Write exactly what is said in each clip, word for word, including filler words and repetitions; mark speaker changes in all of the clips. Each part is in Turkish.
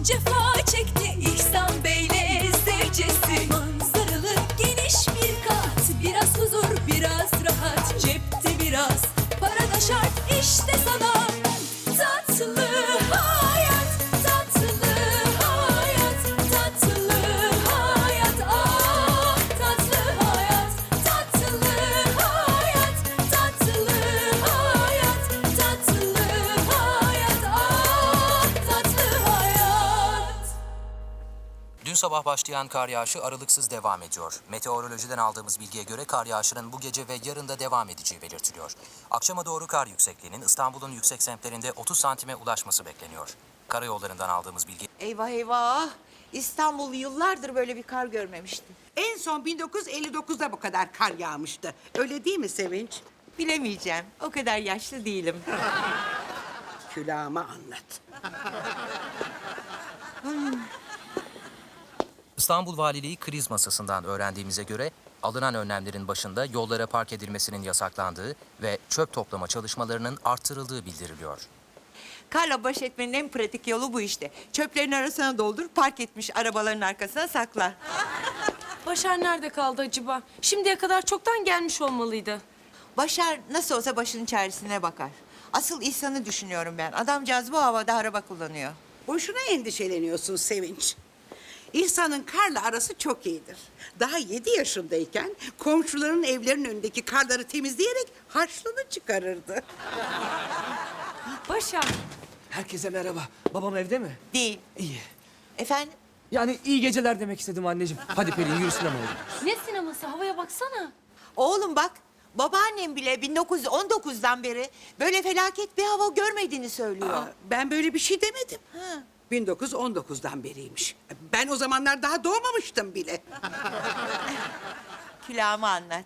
Speaker 1: cefa çekti İhsan Bey'le zevcesi. Manzaralı geniş bir kat, biraz huzur biraz rahat, cepte biraz para da şart, işte sana tatlı hayat, tatlı hayat, tatlı hayat, ah tatlı hayat, tatlı hayat, tatlı hayat, tatlı hayat, ah tatlı hayat.
Speaker 2: Dün sabah başlayan kar yağışı aralıksız devam ediyor. Meteorolojiden aldığımız bilgiye göre kar yağışının bu gece ve yarın da devam edeceği belirtiliyor. Akşama doğru kar yüksekliğinin İstanbul'un yüksek semtlerinde otuz santime ulaşması bekleniyor. Karayollarından aldığımız bilgi...
Speaker 3: Eyvah eyvah. İstanbul yıllardır böyle bir kar görmemişti.
Speaker 4: En son bin dokuz yüz elli dokuzda bu kadar kar yağmıştı. Öyle değil mi Sevinç?
Speaker 3: Bilemeyeceğim. O kadar yaşlı değilim.
Speaker 4: Külahıma anlat.
Speaker 2: İstanbul Valiliği kriz masasından öğrendiğimize göre alınan önlemlerin başında yollara park edilmesinin yasaklandığı ve çöp toplama çalışmalarının arttırıldığı bildiriliyor.
Speaker 3: Karla baş etmenin en pratik yolu bu işte. Çöplerin arasına doldur, park etmiş arabaların arkasına sakla.
Speaker 5: Başar nerede kaldı acaba? Şimdiye kadar çoktan gelmiş olmalıydı.
Speaker 3: Başar nasıl olsa başının çaresine bakar. Asıl İhsan'ı düşünüyorum ben. Adamcağız bu havada araba kullanıyor.
Speaker 4: Boşuna endişeleniyorsun Sevinç. İhsan'ın karla arası çok iyidir. Daha yedi yaşındayken komşuların evlerinin önündeki karları temizleyerek harçlığını çıkarırdı.
Speaker 5: Başar.
Speaker 6: Herkese merhaba. Babam evde mi?
Speaker 3: Değil.
Speaker 6: İyi.
Speaker 3: Efendim?
Speaker 6: Yani iyi geceler demek istedim anneciğim. Hadi Pelin yürü sinemaya gidiyoruz.
Speaker 5: Ne sineması? Havaya baksana.
Speaker 3: Oğlum bak, babaannem bile bin dokuz yüz on dokuzdan beri böyle felaket bir hava görmediğini söylüyor.
Speaker 4: Aa, ben böyle bir şey demedim.
Speaker 3: Ha.
Speaker 4: bin dokuz yüz on dokuzdan beriymiş. Ben o zamanlar daha doğmamıştım bile.
Speaker 3: Külahımı anlat.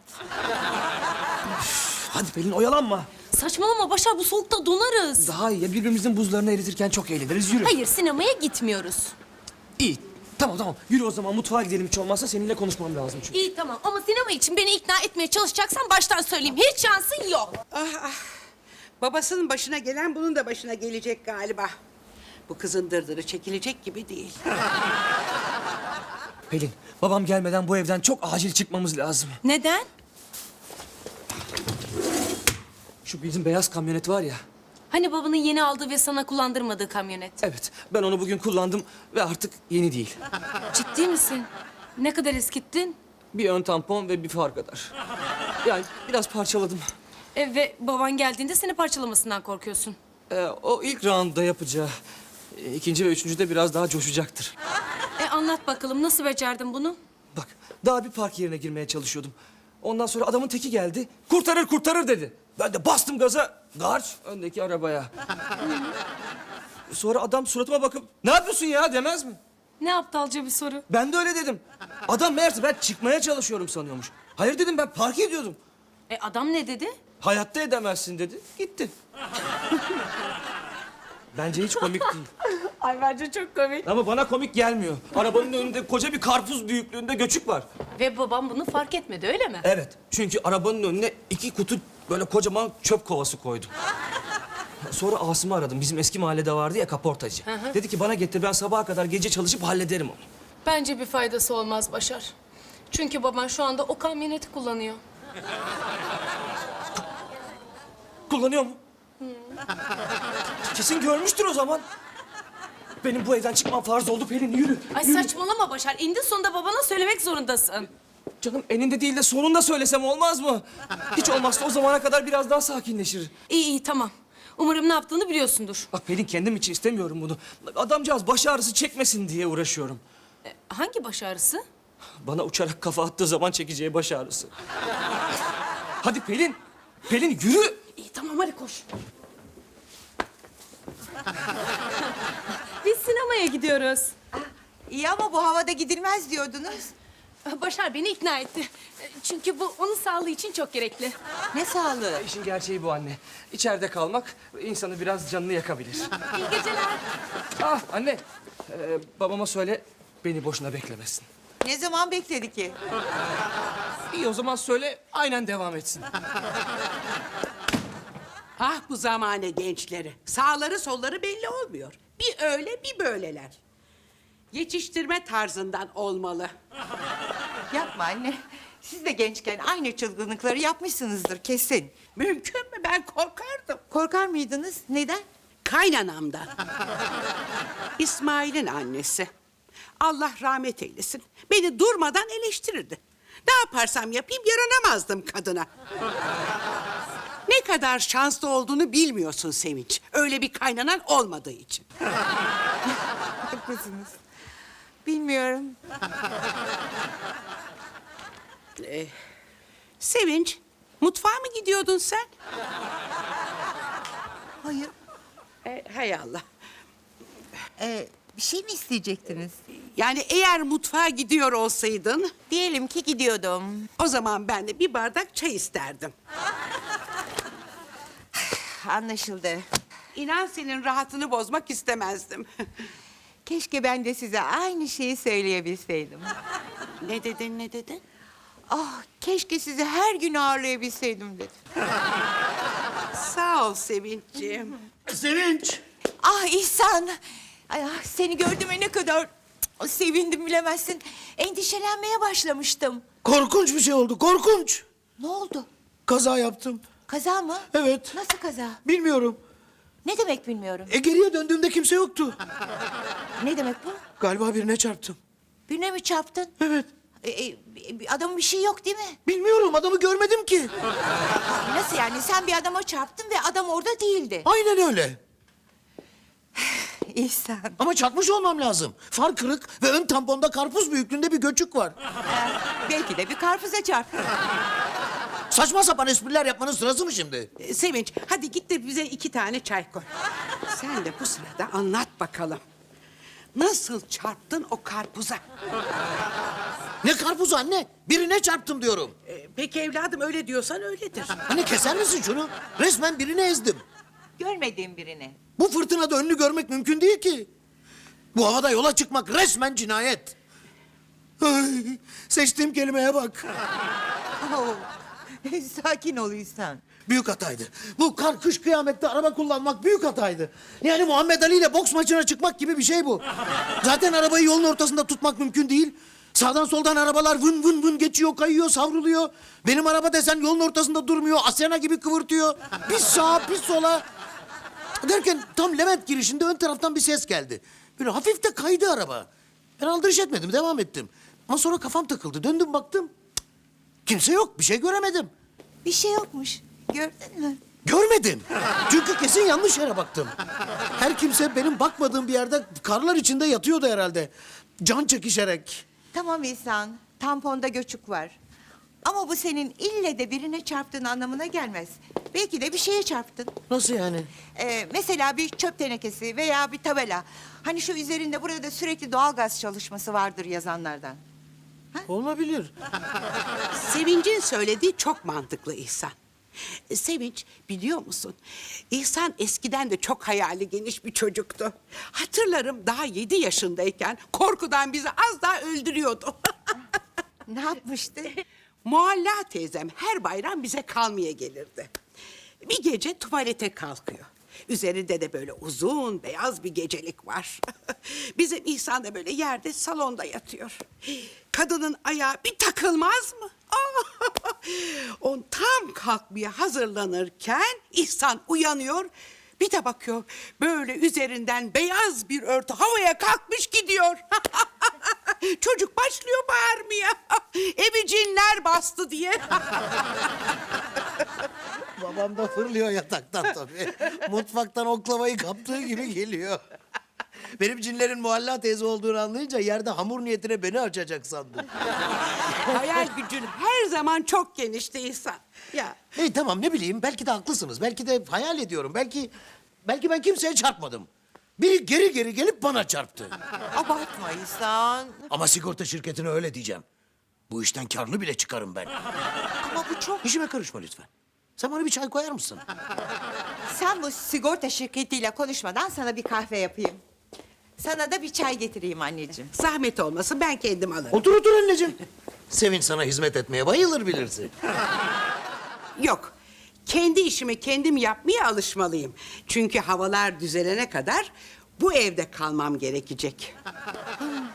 Speaker 6: Hadi Pelin oyalanma.
Speaker 5: Saçmalama Başar, bu soğukta donarız.
Speaker 6: Daha iyi ya birbirimizin buzlarını eritirken çok eğleniriz. Yürü.
Speaker 5: Hayır, sinemaya gitmiyoruz.
Speaker 6: İyi. Tamam tamam. Yürü o zaman mutfağa gidelim hiç olmazsa seninle konuşmam lazım çünkü.
Speaker 5: İyi tamam ama sinema için beni ikna etmeye çalışacaksan baştan söyleyeyim. Hiç şansın yok.
Speaker 4: Ah ah. Babasının başına gelen bunun da başına gelecek galiba. Bu kızın dırdırı çekilecek gibi değil.
Speaker 6: Pelin babam gelmeden bu evden çok acil çıkmamız lazım.
Speaker 5: Neden?
Speaker 6: Şu bizim beyaz kamyonet var ya.
Speaker 5: Hani babanın yeni aldığı ve sana kullandırmadığı kamyonet.
Speaker 6: Evet ben onu bugün kullandım ve artık yeni değil.
Speaker 5: Ciddi misin? Ne kadar eskittin?
Speaker 6: Bir ön tampon ve bir far kadar. Yani biraz parçaladım.
Speaker 5: E, ve baban geldiğinde seni parçalamasından korkuyorsun.
Speaker 6: Ee, o ilk roundda yapacağı. e, ikinci ve üçüncüde biraz daha coşacaktır.
Speaker 5: E anlat bakalım, nasıl becerdin bunu?
Speaker 6: Bak daha bir park yerine girmeye çalışıyordum. Ondan sonra adamın teki geldi. Kurtarır kurtarır dedi. Ben de bastım gaza. Garç öndeki arabaya. Sonra adam suratıma bakıp ne yapıyorsun ya demez mi?
Speaker 5: Ne aptalca bir soru.
Speaker 6: Ben de öyle dedim. Adam meğerse ben çıkmaya çalışıyorum sanıyormuş. Hayır dedim ben park ediyordum.
Speaker 5: E adam ne dedi?
Speaker 6: Hayatta edemezsin dedi. Gitti. Bence hiç komik değil.
Speaker 5: Ay bence çok komik.
Speaker 6: Ama bana komik gelmiyor. Arabanın önünde koca bir karpuz büyüklüğünde göçük var.
Speaker 5: Ve babam bunu fark etmedi, öyle mi?
Speaker 6: Evet. Çünkü arabanın önüne iki kutu böyle kocaman çöp kovası koydum. Sonra Asım'ı aradım. Bizim eski mahallede vardı ya kaportacı.
Speaker 5: hı.
Speaker 6: Dedi ki bana getir ben sabaha kadar gece çalışıp hallederim onu.
Speaker 5: Bence bir faydası olmaz Başar. Çünkü baban şu anda o kamyoneti kullanıyor.
Speaker 6: Kullanıyor mu? Kesin görmüştür o zaman. Benim bu evden çıkmam farz oldu Pelin yürü.
Speaker 5: Ay
Speaker 6: yürü.
Speaker 5: saçmalama Başar. İndi sonunda babana söylemek zorundasın.
Speaker 6: Canım eninde değil de sonunda söylesem olmaz mı? Hiç olmazsa o zamana kadar biraz daha sakinleşir.
Speaker 5: İyi iyi tamam. Umarım ne yaptığını biliyorsundur.
Speaker 6: Bak Pelin kendim için istemiyorum bunu. Adamcağız baş ağrısı çekmesin diye uğraşıyorum.
Speaker 5: E, hangi baş ağrısı?
Speaker 6: Bana uçarak kafa attığı zaman çekeceği baş ağrısı. Hadi Pelin. Pelin yürü.
Speaker 5: İyi tamam hadi koş. Biz sinemaya gidiyoruz.
Speaker 3: İyi ama bu havada gidilmez diyordunuz.
Speaker 5: Başar beni ikna etti. E, Çünkü bu onun sağlığı için çok gerekli.
Speaker 3: Ne sağlığı?
Speaker 6: İşin gerçeği bu anne. İçeride kalmak insanı biraz canını yakabilir.
Speaker 5: İyi geceler.
Speaker 6: Ah anne. Ee, babama söyle beni boşuna beklemesin.
Speaker 3: Ne zaman bekledi ki?
Speaker 6: İyi o zaman söyle aynen devam etsin.
Speaker 4: Ah bu zamane gençleri. Sağları solları belli olmuyor. Bir öyle bir böyleler. Yetiştirme tarzından olmalı.
Speaker 3: Yapma anne. Siz de gençken aynı çılgınlıkları yapmışsınızdır kesin.
Speaker 4: Mümkün mü? Ben korkardım.
Speaker 3: Korkar mıydınız? Neden?
Speaker 4: Kaynanamdan. İsmail'in annesi. Allah rahmet eylesin. Beni durmadan eleştirirdi. Ne yaparsam yapayım yaranamazdım kadına. Ne kadar şanslı olduğunu bilmiyorsun Sevinç. Öyle bir kaynanan olmadığı için.
Speaker 3: Haklısınız. Bilmiyorum.
Speaker 4: Sevinç, mutfağa mı gidiyordun sen?
Speaker 3: Hayır.
Speaker 4: E, hay Allah.
Speaker 3: Ee, bir şey mi isteyecektiniz?
Speaker 4: Yani eğer mutfağa gidiyor olsaydın...
Speaker 3: Diyelim ki gidiyordum.
Speaker 4: ...o zaman ben de bir bardak çay isterdim.
Speaker 3: Anlaşıldı.
Speaker 4: İnan senin rahatını bozmak istemezdim.
Speaker 3: Keşke ben de size aynı şeyi söyleyebilseydim.
Speaker 4: Ne dedin, ne dedin?
Speaker 3: Ah, keşke sizi her gün ağırlayabilseydim dedim.
Speaker 4: Sağ ol Sevinçciğim.
Speaker 7: Sevinç!
Speaker 3: Ah İhsan! Ay, ah, seni gördüğüme ne kadar sevindim bilemezsin. Endişelenmeye başlamıştım.
Speaker 7: Korkunç bir şey oldu, korkunç.
Speaker 3: Ne oldu?
Speaker 7: Kaza yaptım.
Speaker 3: Kaza mı?
Speaker 7: Evet.
Speaker 3: Nasıl kaza?
Speaker 7: Bilmiyorum.
Speaker 3: Ne demek bilmiyorum.
Speaker 7: E geriye döndüğümde kimse yoktu.
Speaker 3: Ne demek bu?
Speaker 7: Galiba birine çarptım.
Speaker 3: Birine mi çarptın?
Speaker 7: Evet.
Speaker 3: E, e, adamın bir şey yok değil mi?
Speaker 7: Bilmiyorum, adamı görmedim ki.
Speaker 3: Nasıl yani? Sen bir adama çarptın ve adam orada değildi.
Speaker 7: Aynen öyle.
Speaker 3: İhsan.
Speaker 7: Ama çarpmış olmam lazım. Far kırık ve ön tamponda karpuz büyüklüğünde bir göçük var.
Speaker 3: Belki de bir karpuza çarptın.
Speaker 7: Saçma sapan espriler yapmanın sırası mı şimdi?
Speaker 4: Ee, Sevinç, hadi git de bize iki tane çay koy. Sen de bu sırada anlat bakalım. Nasıl çarptın o karpuza?
Speaker 7: Ne karpuzu anne? Birine çarptım diyorum.
Speaker 4: Ee, peki evladım öyle diyorsan öyledir.
Speaker 7: Anne keser misin şunu? Resmen birini ezdim.
Speaker 3: Görmediğim birini.
Speaker 7: Bu fırtınada önünü görmek mümkün değil ki. Bu havada yola çıkmak resmen cinayet. Ay, seçtiğim kelimeye bak.
Speaker 3: Oh. Sakin ol İhsan.
Speaker 7: Büyük hataydı. Bu kar kış kıyamette araba kullanmak büyük hataydı. Yani Muhammed Ali ile boks maçına çıkmak gibi bir şey bu. Zaten arabayı yolun ortasında tutmak mümkün değil. Sağdan soldan arabalar vın vın vın geçiyor, kayıyor, savruluyor. Benim araba desen yolun ortasında durmuyor, Asena gibi kıvırtıyor. Bir sağa, bir sola. Derken tam Levent girişinde ön taraftan bir ses geldi. Böyle hafif de kaydı araba. Ben aldırış etmedim, devam ettim. Ama sonra kafam takıldı. Döndüm baktım. Cık, kimse yok, bir şey göremedim.
Speaker 3: Bir şey yokmuş. Gördün mü?
Speaker 7: Görmedim. Çünkü kesin yanlış yere baktım. Her kimse benim bakmadığım bir yerde karlar içinde yatıyordu herhalde. Can çekişerek.
Speaker 3: Tamam İhsan. Tamponda göçük var. Ama bu senin ille de birine çarptığın anlamına gelmez. Belki de bir şeye çarptın.
Speaker 7: Nasıl yani?
Speaker 3: Ee, mesela bir çöp tenekesi veya bir tabela. Hani şu üzerinde burada sürekli doğalgaz çalışması vardır yazanlardan.
Speaker 7: Olabilir.
Speaker 4: Sevinç'in söylediği çok mantıklı İhsan. E, Sevinç, biliyor musun? İhsan eskiden de çok hayali geniş bir çocuktu. Hatırlarım daha yedi yaşındayken korkudan bizi az daha öldürüyordu.
Speaker 3: Ne yapmıştı?
Speaker 4: Mualla teyzem her bayram bize kalmaya gelirdi. Bir gece tuvalete kalkıyor. Üzerinde de böyle uzun beyaz bir gecelik var. Bizim İhsan da böyle yerde salonda yatıyor. Kadının ayağı bir takılmaz mı? On tam kalkmaya hazırlanırken İhsan uyanıyor. Bir de bakıyor böyle üzerinden beyaz bir örtü havaya kalkmış gidiyor. Çocuk başlıyor bağırmaya. Evi cinler bastı diye.
Speaker 7: Babam da fırlıyor yataktan tabii. Mutfaktan oklavayı kaptığı gibi geliyor. Benim cinlerin Muhalla teyze olduğunu anlayınca yerde hamur niyetine beni açacak sandım.
Speaker 4: Hayal gücün her zaman çok genişti İhsan. Ya
Speaker 7: Hey tamam ne bileyim belki de haklısınız. Belki de hayal ediyorum. Belki belki ben kimseye çarpmadım. Biri geri geri gelip bana çarptı.
Speaker 3: Abartma İhsan.
Speaker 7: Ama sigorta şirketine öyle diyeceğim. Bu işten karlı bile çıkarım ben.
Speaker 3: Ama bu çok...
Speaker 7: İşime karışma lütfen. Sen bana bir çay koyar mısın?
Speaker 3: Sen bu sigorta şirketiyle konuşmadan sana bir kahve yapayım. Sana da bir çay getireyim anneciğim.
Speaker 4: zahmet olmasın ben kendim alırım.
Speaker 7: Otur otur anneciğim. Sevinç sana hizmet etmeye bayılır bilirsin.
Speaker 4: Yok. Kendi işimi kendim yapmaya alışmalıyım. Çünkü havalar düzelene kadar bu evde kalmam gerekecek.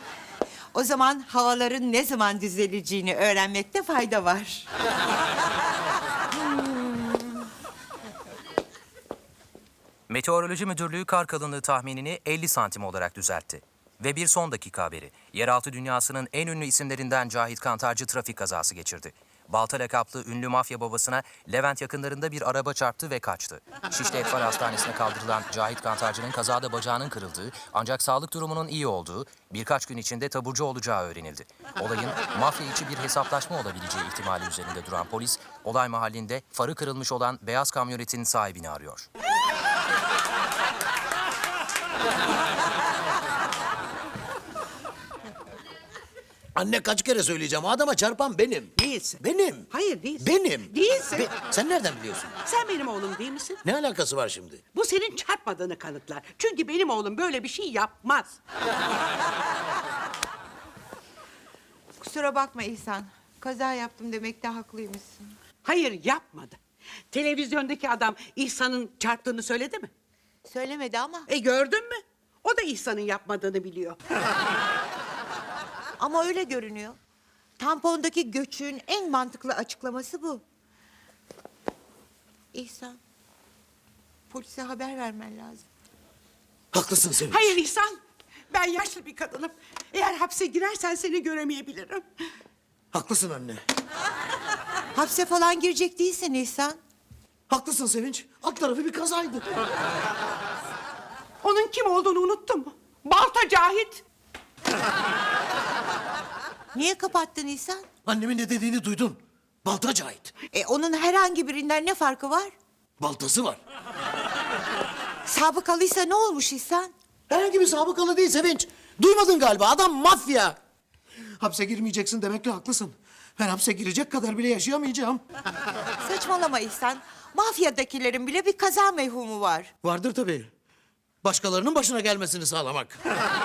Speaker 3: O zaman havaların ne zaman düzeleceğini öğrenmekte fayda var.
Speaker 2: Meteoroloji Müdürlüğü kar kalınlığı tahminini elli santim olarak düzeltti. Ve bir son dakika haberi. Yeraltı dünyasının en ünlü isimlerinden Cahit Kantarcı trafik kazası geçirdi. Balta lakaplı ünlü mafya babasına Levent yakınlarında bir araba çarptı ve kaçtı. Şişli Etfal Hastanesi'ne kaldırılan Cahit Kantarcı'nın kazada bacağının kırıldığı ancak sağlık durumunun iyi olduğu, birkaç gün içinde taburcu olacağı öğrenildi. Olayın mafya içi bir hesaplaşma olabileceği ihtimali üzerinde duran polis, olay mahallinde farı kırılmış olan beyaz kamyonetin sahibini arıyor.
Speaker 7: Anne kaç kere söyleyeceğim, o adama çarpan benim.
Speaker 4: Değilsin.
Speaker 7: Benim.
Speaker 4: Hayır değilsin.
Speaker 7: Benim.
Speaker 4: Değilsin.
Speaker 7: Be- Sen nereden biliyorsun?
Speaker 4: Sen benim oğlum değil misin?
Speaker 7: Ne alakası var şimdi?
Speaker 4: Bu senin çarpmadığını kanıtlar. Çünkü benim oğlum böyle bir şey yapmaz.
Speaker 3: Kusura bakma İhsan. Kaza yaptım demekte haklıymışsın.
Speaker 4: Hayır yapmadı. Televizyondaki adam İhsan'ın çarptığını söyledi mi?
Speaker 3: Söylemedi ama.
Speaker 4: E gördün mü? O da İhsan'ın yapmadığını biliyor.
Speaker 3: Ama öyle görünüyor. Tampondaki göçün en mantıklı açıklaması bu. İhsan, polise haber vermen lazım.
Speaker 7: Haklısın Sevinç.
Speaker 4: Hayır İhsan. Ben yaşlı bir kadınım. Eğer hapse girersen seni göremeyebilirim.
Speaker 7: Haklısın anne.
Speaker 3: Hapse falan girecek değilsin İhsan.
Speaker 7: Haklısın Sevinç. Alt tarafı bir kazaydı.
Speaker 4: Onun kim olduğunu unuttun mu? Balta Cahit.
Speaker 3: Niye kapattın İhsan?
Speaker 7: Annemin ne dediğini duydun. Balta Cahit.
Speaker 3: E onun herhangi birinden ne farkı var?
Speaker 7: Baltası var.
Speaker 3: Sabıkalıysa ne olmuş İhsan?
Speaker 7: Herhangi bir sabıkalı değil Sevinç. Duymadın galiba, adam mafya. Hapse girmeyeceksin demekle haklısın. Ben hapse girecek kadar bile yaşayamayacağım.
Speaker 3: Saçmalama İhsan. Mafyadakilerin bile bir kaza mevhumu var.
Speaker 7: Vardır tabii. Başkalarının başına gelmesini sağlamak.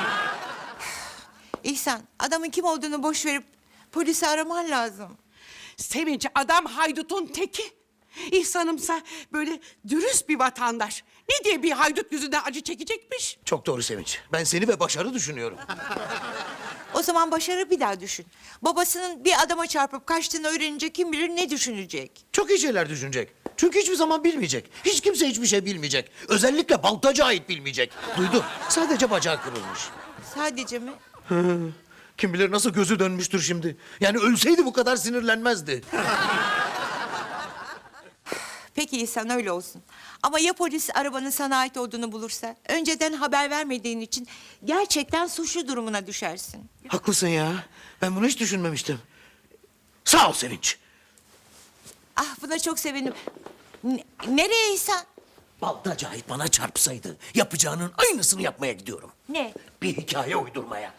Speaker 3: İhsan, adamın kim olduğunu boş verip polisi araman lazım.
Speaker 4: Sevinç adam haydutun teki. İhsan'ımsa böyle dürüst bir vatandaş. Ne diye bir haydut yüzünden acı çekecekmiş?
Speaker 7: Çok doğru Sevinç. Ben seni ve Başar'ı düşünüyorum.
Speaker 3: O zaman Başar'ı bir daha düşün. Babasının bir adama çarpıp kaçtığını öğrenince kim bilir ne düşünecek?
Speaker 7: Çok iyi şeyler düşünecek. Çünkü hiçbir zaman bilmeyecek. Hiç kimse hiçbir şey bilmeyecek. Özellikle Baltacı ait bilmeyecek. Duydun. Sadece bacağı kırılmış.
Speaker 3: Sadece mi?
Speaker 7: Kim bilir nasıl gözü dönmüştür şimdi. Yani ölseydi bu kadar sinirlenmezdi.
Speaker 3: Peki İhsan öyle olsun. Ama ya polis arabanın sana ait olduğunu bulursa? Önceden haber vermediğin için gerçekten suçlu durumuna düşersin.
Speaker 7: Haklısın ya. Ben bunu hiç düşünmemiştim. Sağ ol Sevinç.
Speaker 3: Ah buna çok sevindim. N- nereye İhsan?
Speaker 7: Baltacı ait bana çarpsaydı yapacağının aynısını yapmaya gidiyorum.
Speaker 3: Ne?
Speaker 7: Bir hikaye uydurmaya.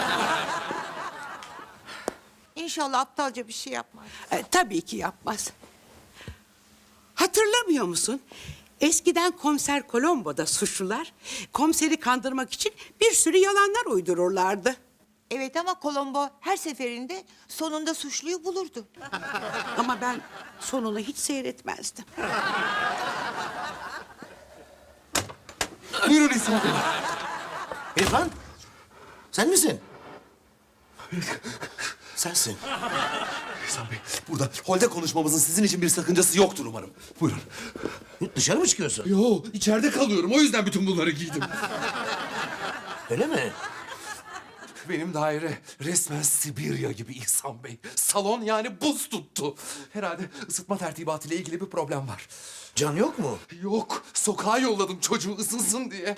Speaker 3: İnşallah aptalca bir şey yapmaz.
Speaker 4: E, tabii ki yapmaz. Hatırlamıyor musun? Eskiden komiser Colombo'da suçlular komiseri kandırmak için bir sürü yalanlar uydururlardı.
Speaker 3: Evet ama Colombo her seferinde sonunda suçluyu bulurdu.
Speaker 4: Ama ben sonunu hiç seyretmezdim.
Speaker 8: Buyurun İhsan Bey.
Speaker 7: İrfan, sen misin? Sensin.
Speaker 8: İhsan Bey, burada holde konuşmamızın sizin için bir sakıncası yoktur umarım. Buyurun.
Speaker 7: Dışarı mı çıkıyorsun?
Speaker 8: Yo, içeride kalıyorum. O yüzden bütün bunları giydim.
Speaker 7: Öyle mi?
Speaker 8: Benim daire resmen Sibirya gibi İhsan Bey. Salon yani buz tuttu. Herhalde ısıtma tertibatıyla ilgili bir problem var.
Speaker 7: Can yok mu?
Speaker 8: Yok, sokağa yolladım çocuğu ısınsın diye.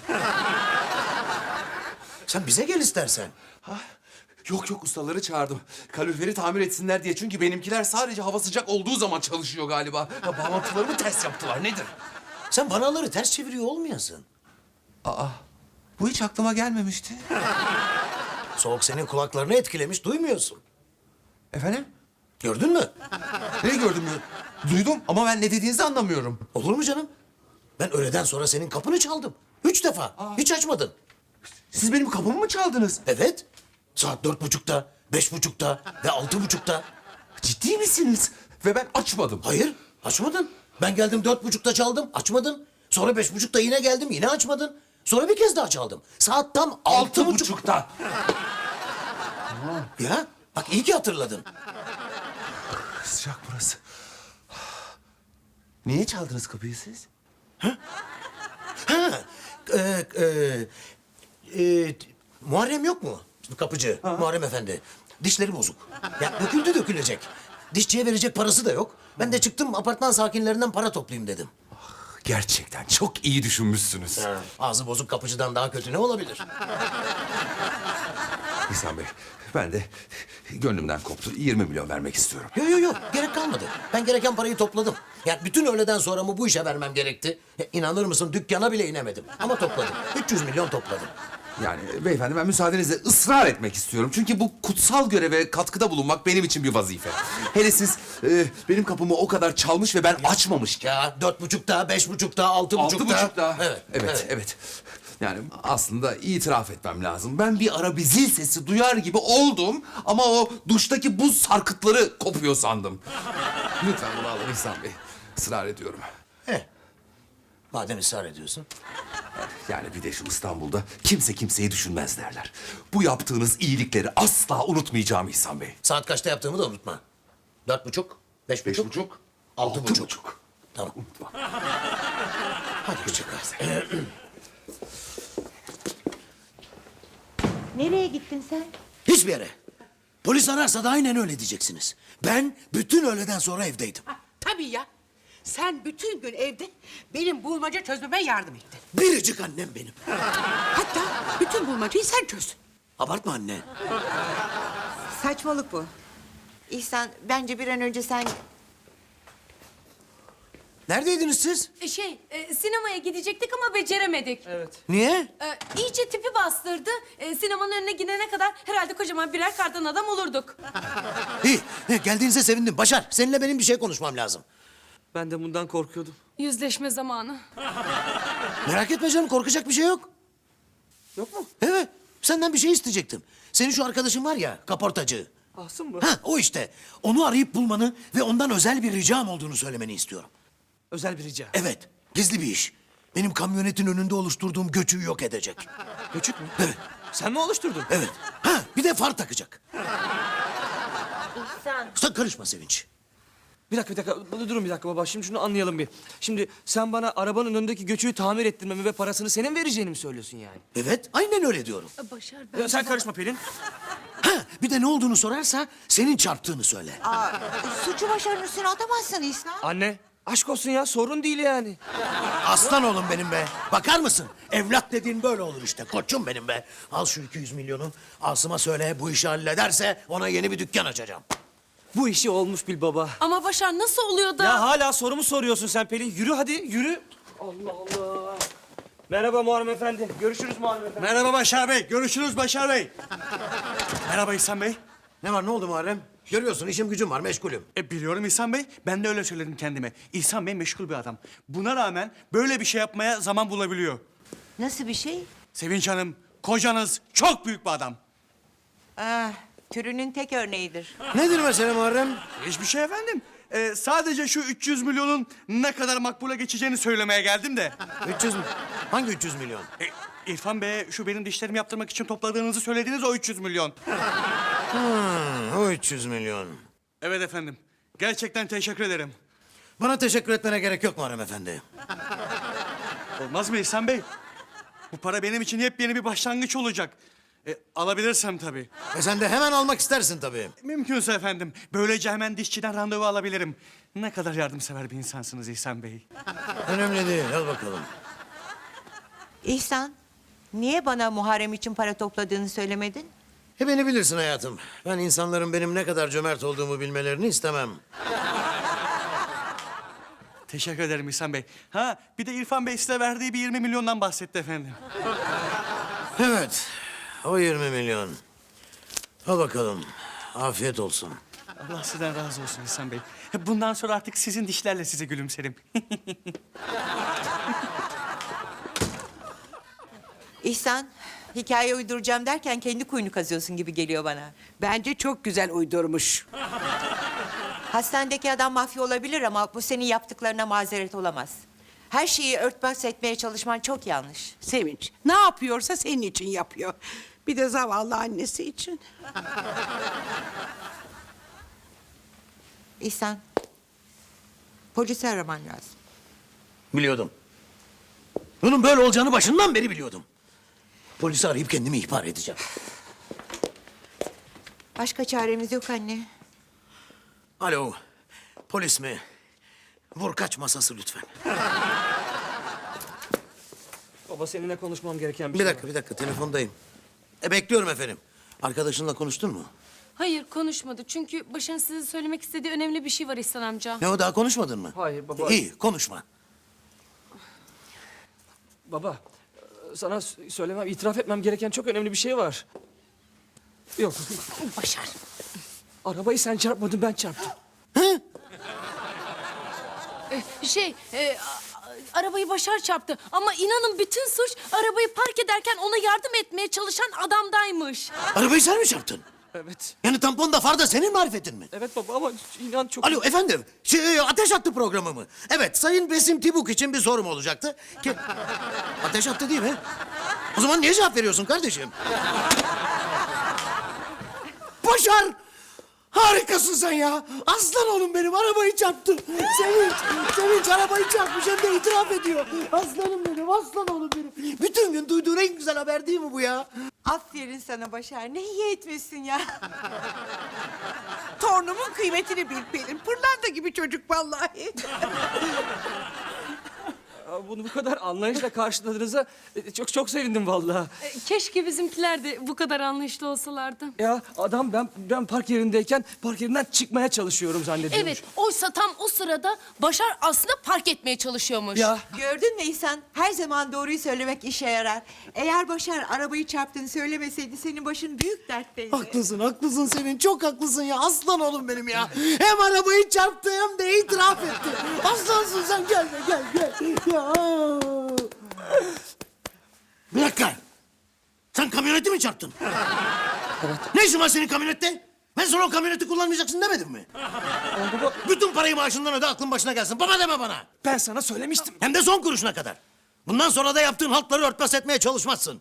Speaker 7: Sen bize gel istersen.
Speaker 8: Ha? Yok yok, ustaları çağırdım. Kaloriferi tamir etsinler diye. Çünkü benimkiler sadece hava sıcak olduğu zaman çalışıyor galiba. Ya, bağlantılarımı ters yaptılar. Nedir?
Speaker 7: Sen vanaları ters çeviriyor olmayasın.
Speaker 8: Aa, bu hiç aklıma gelmemişti.
Speaker 7: Soğuk senin kulaklarını etkilemiş, duymuyorsun.
Speaker 8: Efendim?
Speaker 7: Gördün mü?
Speaker 8: Ne gördüm ya? Duydum ama ben ne dediğinizi anlamıyorum.
Speaker 7: Olur mu canım? Ben öğleden sonra senin kapını çaldım. Üç defa. Hiç açmadın.
Speaker 8: Siz benim kapımı mı çaldınız?
Speaker 7: Evet. Saat dört buçukta, beş buçukta ve altı buçukta.
Speaker 8: Ciddi misiniz? Ve ben açmadım.
Speaker 7: Hayır, açmadın. Ben geldim dört buçukta çaldım, açmadın. Sonra beş buçukta yine geldim, yine açmadın. Sonra bir kez daha çaldım. Saat tam altı,
Speaker 8: Altı
Speaker 7: buçuk.
Speaker 8: buçukta.
Speaker 7: Ya bak iyi ki hatırladın.
Speaker 8: Sıcak burası. Niye çaldınız kapıyı siz?
Speaker 7: Ha, e, e, e, Muharrem yok mu? Kapıcı, Muharrem Efendi. Dişleri bozuk. Ya döküldü dökülecek. Dişçiye verecek parası da yok. Ben de çıktım apartman sakinlerinden para toplayayım dedim.
Speaker 8: Gerçekten çok iyi düşünmüşsünüz.
Speaker 7: Ha, ağzı bozuk kapıcıdan daha kötü ne olabilir?
Speaker 8: İhsan Bey, ben de gönlümden koptu. yirmi milyon vermek istiyorum.
Speaker 7: Yok yok yok gerek kalmadı. Ben gereken parayı topladım. Ya bütün öğleden sonra mı bu işe vermem gerekti? Ya, inanır mısın dükkana bile inemedim. Ama topladım. üç yüz milyon topladım.
Speaker 8: Yani beyefendi ben müsaadenizle ısrar etmek istiyorum. Çünkü bu kutsal göreve katkıda bulunmak benim için bir vazife. Hele siz e, benim kapımı o kadar çalmış ve ben açmamışken.
Speaker 7: Ya dört buçukta, beş buçukta, altı
Speaker 8: Altı
Speaker 7: buçukta.
Speaker 8: buçukta.
Speaker 7: Evet,
Speaker 8: evet, evet. Yani aslında itiraf etmem lazım. Ben bir ara bir zil sesi duyar gibi oldum ama o duştaki buz sarkıtları kopuyor sandım. Lütfen bunu alın İhsan Bey. Israr ediyorum.
Speaker 7: He. Madem ısrar ediyorsun.
Speaker 8: Yani bir de şu İstanbul'da kimse kimseyi düşünmez derler. Bu yaptığınız iyilikleri asla unutmayacağım İhsan Bey.
Speaker 7: Saat kaçta yaptığımı da unutma. Dört buçuk, beş
Speaker 8: Beş
Speaker 7: buçuk,
Speaker 8: buçuk,
Speaker 7: altı,
Speaker 8: altı
Speaker 7: buçuk.
Speaker 8: buçuk.
Speaker 7: Tamam.
Speaker 8: Unutma.
Speaker 7: Hadi çocuklar.
Speaker 3: Nereye gittin sen?
Speaker 7: Hiçbir yere. Polis ararsa da aynen öyle diyeceksiniz. Ben bütün öğleden sonra evdeydim.
Speaker 4: Ah, tabii ya. Sen bütün gün evde benim bulmaca çözmeme yardım ettin.
Speaker 7: Biricik annem benim.
Speaker 4: Hatta bütün bulmacayı sen çözdün.
Speaker 7: Abartma anne.
Speaker 3: Saçmalık bu. İhsan bence bir an önce sen...
Speaker 7: Neredeydiniz siz?
Speaker 5: E, Şey, e, sinemaya gidecektik ama beceremedik.
Speaker 7: Niye?
Speaker 5: E, iyice tipi bastırdı. E, sinemanın önüne gidene kadar herhalde kocaman birer kardan adam olurduk.
Speaker 7: İyi. he, Geldiğinize sevindim. Başar, seninle benim bir şey konuşmam lazım.
Speaker 6: Ben de bundan korkuyordum.
Speaker 5: Yüzleşme zamanı.
Speaker 7: Merak etme canım, korkacak bir şey yok.
Speaker 6: Yok mu?
Speaker 7: Evet, senden bir şey isteyecektim. Senin şu arkadaşın var ya, kaportacı.
Speaker 6: Asım mı?
Speaker 7: Ha, o işte. Onu arayıp bulmanı ve ondan özel bir ricam olduğunu söylemeni istiyorum.
Speaker 6: Özel bir rica.
Speaker 7: Evet, gizli bir iş. Benim kamyonetin önünde oluşturduğum göçüğü yok edecek.
Speaker 6: Göçük mü?
Speaker 7: Evet,
Speaker 6: Sen mi oluşturdun?
Speaker 7: evet. Ha, bir de far takacak.
Speaker 3: İhsan.
Speaker 7: Sen karışma Sevinç.
Speaker 6: Bir dakika bir dakika Dur- durun bir dakika baba şimdi şunu anlayalım bir. Şimdi sen bana arabanın önündeki göçüğü tamir ettirmemi ve parasını senin vereceğini mi söylüyorsun yani?
Speaker 7: Evet, aynen öyle diyorum.
Speaker 5: E, Başar ben...
Speaker 6: Ya sen karışma Pelin.
Speaker 7: Ha, bir de ne olduğunu sorarsa senin çarptığını söyle.
Speaker 3: Aa, suçu başarının üstüne atamazsın İhsan.
Speaker 6: Anne aşk olsun ya sorun değil yani.
Speaker 7: Aslan oğlum benim be. Bakar mısın? Evlat dediğin böyle olur işte. Koçum benim be. Al şu iki yüz milyonu. Asım'a söyle bu işi hallederse ona yeni bir dükkan açacağım.
Speaker 6: Bu işi olmuş bil baba.
Speaker 5: Ama Başar nasıl oluyor da...
Speaker 6: Ya hala sorumu soruyorsun sen Pelin. Yürü hadi yürü. Allah Allah. Merhaba Muharrem Efendi. Görüşürüz Muharrem Efendi.
Speaker 9: Merhaba Başar Bey. Görüşürüz Başar Bey. Merhaba İhsan Bey.
Speaker 7: Ne var ne oldu Muharrem? Görüyorsun işim gücüm var meşgulüm.
Speaker 9: E, biliyorum İhsan Bey. Ben de öyle söyledim kendime. İhsan Bey meşgul bir adam. Buna rağmen böyle bir şey yapmaya zaman bulabiliyor.
Speaker 3: Nasıl bir şey?
Speaker 9: Sevinç Hanım, kocanız çok büyük bir adam.
Speaker 3: Ah, türünün tek örneğidir.
Speaker 7: Nedir mesele Muharrem?
Speaker 9: Hiçbir şey efendim. E, sadece şu üç yüz milyonun ne kadar makbule geçeceğini söylemeye geldim de.
Speaker 7: üç yüz mü? Hangi üç yüz milyon?
Speaker 9: E, İrfan Bey'e şu benim dişlerimi yaptırmak için topladığınızı söylediğiniz o üç yüz milyon.
Speaker 7: Hmm, o üç yüz milyon.
Speaker 9: Evet efendim. Gerçekten teşekkür ederim.
Speaker 7: Bana teşekkür etmene gerek yok Muharrem Efendi.
Speaker 9: Olmaz mı İhsan Bey? Bu para benim için yepyeni bir başlangıç olacak. E, alabilirsem tabii.
Speaker 7: E sen de hemen almak istersin tabii.
Speaker 9: Mümkünse efendim. Böylece hemen dişçiden randevu alabilirim. Ne kadar yardımsever bir insansınız İhsan Bey.
Speaker 7: Önemli değil, al bakalım.
Speaker 3: İhsan, niye bana Muharrem için para topladığını söylemedin?
Speaker 7: E beni bilirsin hayatım. Ben insanların benim ne kadar cömert olduğumu bilmelerini istemem.
Speaker 9: Teşekkür ederim İhsan Bey. Ha bir de İrfan Bey size verdiği bir yirmi milyondan bahsetti efendim.
Speaker 7: Evet, o yirmi milyon. Al bakalım, afiyet olsun.
Speaker 9: Allah sizden razı olsun İhsan Bey. Bundan sonra artık sizin dişlerle size gülümserim.
Speaker 3: İhsan, hikaye uyduracağım derken kendi kuyunu kazıyorsun gibi geliyor bana.
Speaker 4: Bence çok güzel uydurmuş.
Speaker 3: Hastanedeki adam mafya olabilir ama bu senin yaptıklarına mazeret olamaz. Her şeyi örtbas etmeye çalışman çok yanlış.
Speaker 4: Sevinç, ne yapıyorsa senin için yapıyor. Bir de zavallı annesi için.
Speaker 3: İhsan, polisi araman lazım.
Speaker 7: Biliyordum. Bunun böyle olacağını başından beri biliyordum. Polisi arayıp kendimi ihbar edeceğim.
Speaker 3: Başka çaremiz yok anne.
Speaker 7: Alo, polis mi? Vur kaç masası lütfen.
Speaker 6: Baba seninle konuşmam gereken bir,
Speaker 7: Bir
Speaker 6: şey
Speaker 7: dakika, bir dakika. Telefondayım. E, bekliyorum efendim. Arkadaşınla konuştun mu?
Speaker 5: Hayır konuşmadı çünkü Başar'ın size söylemek istediği önemli bir şey var İhsan amca.
Speaker 7: Ne o, daha konuşmadın mı?
Speaker 6: Hayır baba.
Speaker 7: İyi, konuşma.
Speaker 6: Baba, sana s- söylemem, itiraf etmem gereken çok önemli bir şey var. Yok,
Speaker 5: Başar.
Speaker 6: arabayı sen çarpmadın, ben çarptım.
Speaker 5: Şey, e, a- a- arabayı Başar çarptı. Ama inanın bütün suç arabayı park ederken ona yardım etmeye çalışan adamdaymış.
Speaker 7: Arabayı sen mi çarptın?
Speaker 6: Evet,
Speaker 7: Yani tampon da far da senin marifetin mi?
Speaker 6: evet baba ama inan çok...
Speaker 7: Alo efendim, şey, ateş attı programı mı? Evet, Sayın Besim Tibuk için bir sorum olacaktı. Ki... Ateş attı değil mi? O zaman niye cevap veriyorsun kardeşim? Başar! Harikasın sen ya. Aslan oğlum benim, arabayı çarptı. Sevinç, Sevinç arabayı çarpmış hem de itiraf ediyor. Aslanım benim, aslan oğlum benim. Bütün gün duyduğun en güzel haber değil mi bu ya?
Speaker 3: Aferin sana Başar, ne iyi etmişsin ya.
Speaker 4: Torunumun kıymetini bil Pelin. Pırlanta gibi çocuk vallahi.
Speaker 6: Aa, Bunu bu kadar anlayışla karşıladığınıza e, çok çok sevindim vallahi.
Speaker 5: E, keşke bizimkiler de bu kadar anlayışlı olsalardı.
Speaker 6: Ya adam ben ben park yerindeyken park yerinden çıkmaya çalışıyorum zannediyormuş.
Speaker 5: Evet, oysa tam o sırada Başar aslında park etmeye çalışıyormuş.
Speaker 6: Ya
Speaker 3: Gördün mü İhsan? Her zaman doğruyu söylemek işe yarar. Eğer Başar arabayı çarptığını söylemeseydi senin başın büyük dertteydi.
Speaker 7: Haklısın, haklısın Sevinç. Çok haklısın ya. Aslan oğlum benim ya. Hem arabayı çarptı hem de itiraf etti. Aslansın sen. Gel be, gel, gel. Ya. Bir dakika. Sen kamyoneti mi çarptın? Evet. Ne işin var senin kamyonette? Ben sana o kamyoneti kullanmayacaksın demedim mi?
Speaker 6: baba,
Speaker 7: Bütün parayı maaşından öde, aklın başına gelsin. Baba deme bana.
Speaker 6: ben sana söylemiştim.
Speaker 7: Hem de son kuruşuna kadar. Bundan sonra da yaptığın haltları örtbas etmeye çalışmazsın.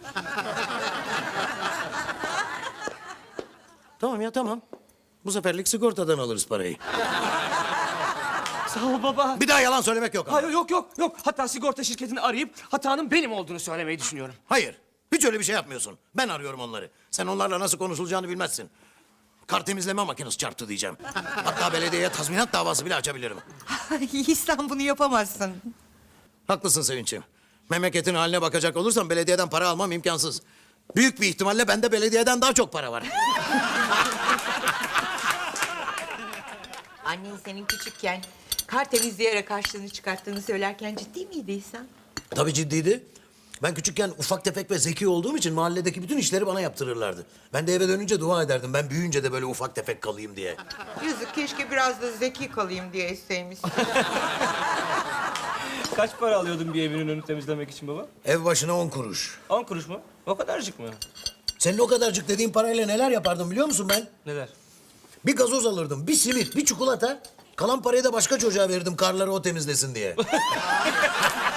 Speaker 7: Tamam ya, tamam. Bu seferlik sigortadan alırız parayı.
Speaker 6: Sağ ol baba.
Speaker 7: Bir daha yalan söylemek yok ama.
Speaker 6: Hayır yok yok yok. Hatta sigorta şirketini arayıp hatanın benim olduğunu söylemeyi düşünüyorum.
Speaker 7: Hayır. Hiç öyle bir şey yapmıyorsun. Ben arıyorum onları. Sen onlarla nasıl konuşulacağını bilmezsin. Kar temizleme makinesi çarptı diyeceğim. Hatta belediyeye tazminat davası bile açabilirim.
Speaker 3: İhsan bunu yapamazsın.
Speaker 7: Haklısın Sevinç'im. Memleketin haline bakacak olursam belediyeden para almam imkansız. Büyük bir ihtimalle bende belediyeden daha çok para var.
Speaker 3: Annen senin küçükken kar temizleyerek harçlığını çıkarttığını söylerken ciddi miydi İhsan?
Speaker 7: Tabii ciddiydi. Ben küçükken ufak tefek ve zeki olduğum için mahalledeki bütün işleri bana yaptırırlardı. Ben de eve dönünce dua ederdim. Ben büyüyünce de böyle ufak tefek kalayım diye.
Speaker 3: Yazık, keşke biraz da zeki kalayım diye isteymişsin.
Speaker 6: Kaç para alıyordun bir evinin önünü temizlemek için baba?
Speaker 7: Ev başına on kuruş.
Speaker 6: On kuruş mu? O kadarcık mı?
Speaker 7: Senin o kadarcık dediğin parayla neler yapardım biliyor musun ben?
Speaker 6: Neler?
Speaker 7: Bir gazoz alırdım, bir simit, bir çikolata. Kalan parayı da başka çocuğa verirdim karları o temizlesin diye.